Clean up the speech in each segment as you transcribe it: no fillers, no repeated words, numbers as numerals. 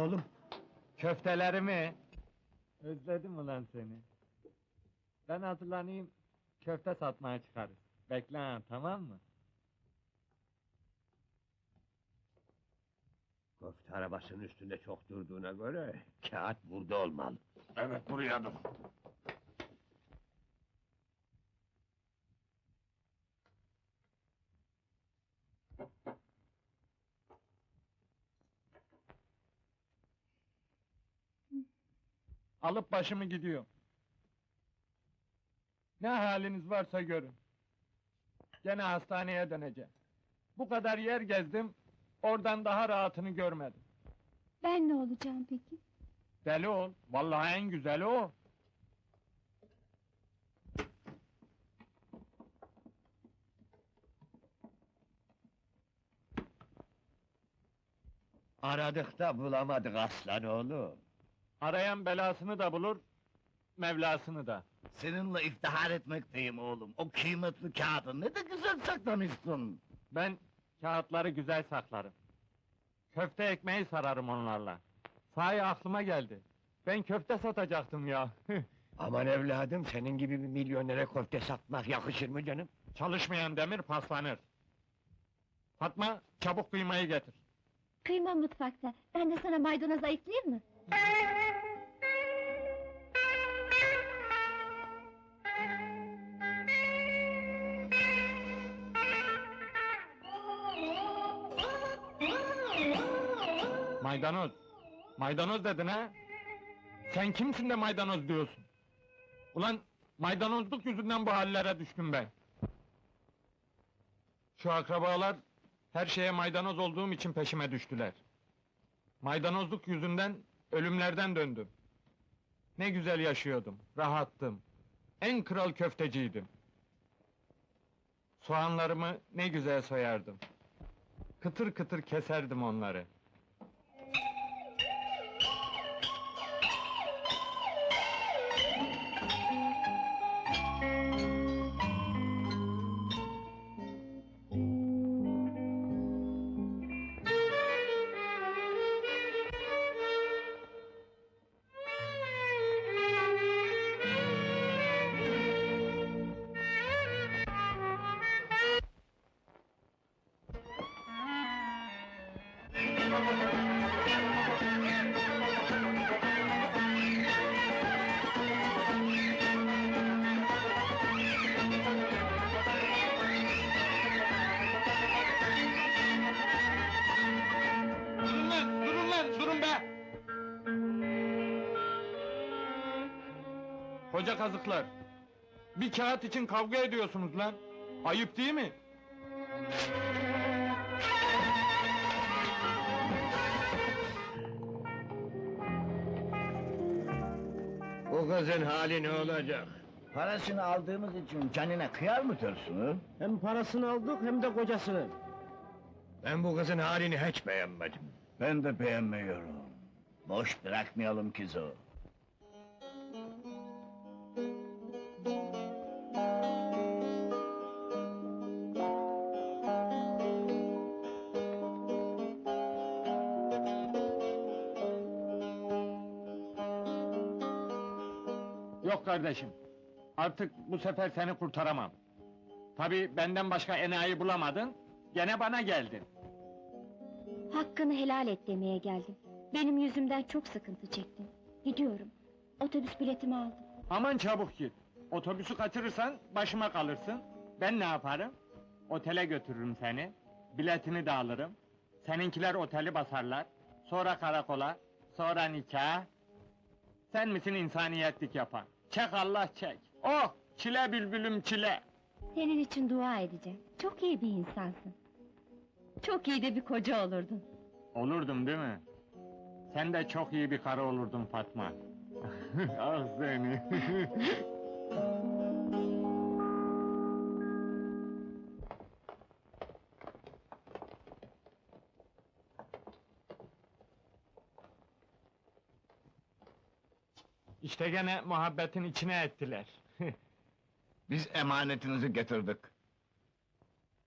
oğlum? Köftelerimi! Özledim ulan seni. Ben hazırlanayım, köfte satmaya çıkarız. Bekle ha, tamam mı? Köfte arabasının üstünde çok durduğuna göre kağıt burada olmalı. Evet, buraya dur. Alıp başımı gidiyorum. Ne haliniz varsa görün. Gene hastaneye döneceğim. Bu kadar yer gezdim, oradan daha rahatını görmedim. Ben ne olacağım peki? Deli ol, vallahi en güzeli o. Aradık da bulamadık aslan oğlum. Arayan belasını da bulur, Mevlasını da. Seninle iftihar etmekteyim oğlum. O kıymetli kağıdı ne de güzel saklamışsın. Ben kağıtları güzel saklarım. Köfte ekmeği sararım onlarla. Sahi aklıma geldi. Ben köfte satacaktım ya. Aman evladım, senin gibi bir milyonere köfte satmak yakışır mı canım? Çalışmayan demir paslanır. Fatma, çabuk kıymayı getir. Kıyma mutfakta. Ben de sana maydanoz ayıklayayım mı? Maydanoz. Maydanoz dedin ha? Sen kimsin de maydanoz diyorsun? Ulan maydanozluk yüzünden bu hallere düştüm ben. Şu akrabalar her şeye maydanoz olduğum için peşime düştüler. Maydanozluk yüzünden ölümlerden döndüm. Ne güzel yaşıyordum, rahattım. En kral köfteciydim. Soğanlarımı ne güzel soyardım. Kıtır kıtır keserdim onları. Durun lan, durun be! Koca kazıklar! Bir kağıt için kavga ediyorsunuz lan! Ayıp değil mi? Bu kızın hali ne olacak? Parasını aldığımız için canına kıyar mı diyorsun? Hem parasını aldık hem de kocasını. Ben bu kızın halini hiç beğenmedim. Ben de beğenmiyorum. Boş bırakmayalım kızı. Yok kardeşim, artık bu sefer seni kurtaramam. Tabii benden başka enayi bulamadın, gene bana geldin. Hakkını helal et demeye geldim. Benim yüzümden çok sıkıntı çektin. Gidiyorum. Otobüs biletimi aldım. Aman çabuk git, otobüsü kaçırırsan başıma kalırsın. Ben ne yaparım? Otele götürürüm seni, biletini de alırım. Seninkiler oteli basarlar, sonra karakola, sonra nikah. Sen misin insaniyetlik yapan? Çek Allah çek! Oh! Çile bülbülüm çile! Senin için dua edeceğim. Çok iyi bir insansın. Çok iyi de bir koca olurdun. Olurdum değil mi? Sen de çok iyi bir karı olurdun Fatma. Ah seni! İşte gene muhabbetin içine ettiler. Biz emanetinizi getirdik.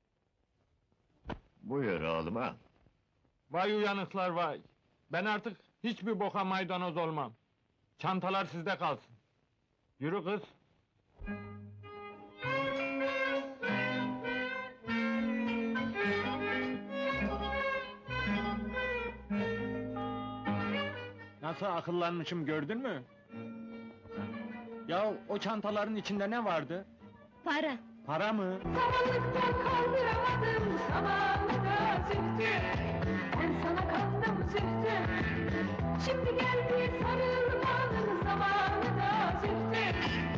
Buyur oğlum al. Vay uyanıklar vay! Ben artık Hiçbir boka maydanoz olmam. Çantalar sizde kalsın. Yürü kız. Nasıl akıllanmışım gördün mü? Ya o çantaların içinde ne vardı? Para. Para mı? Samanlıktan kaldıramadım zamanında zühtü. Ben sana kandım zühtü. Şimdi geldi sarılmanın zamanı da zühtü.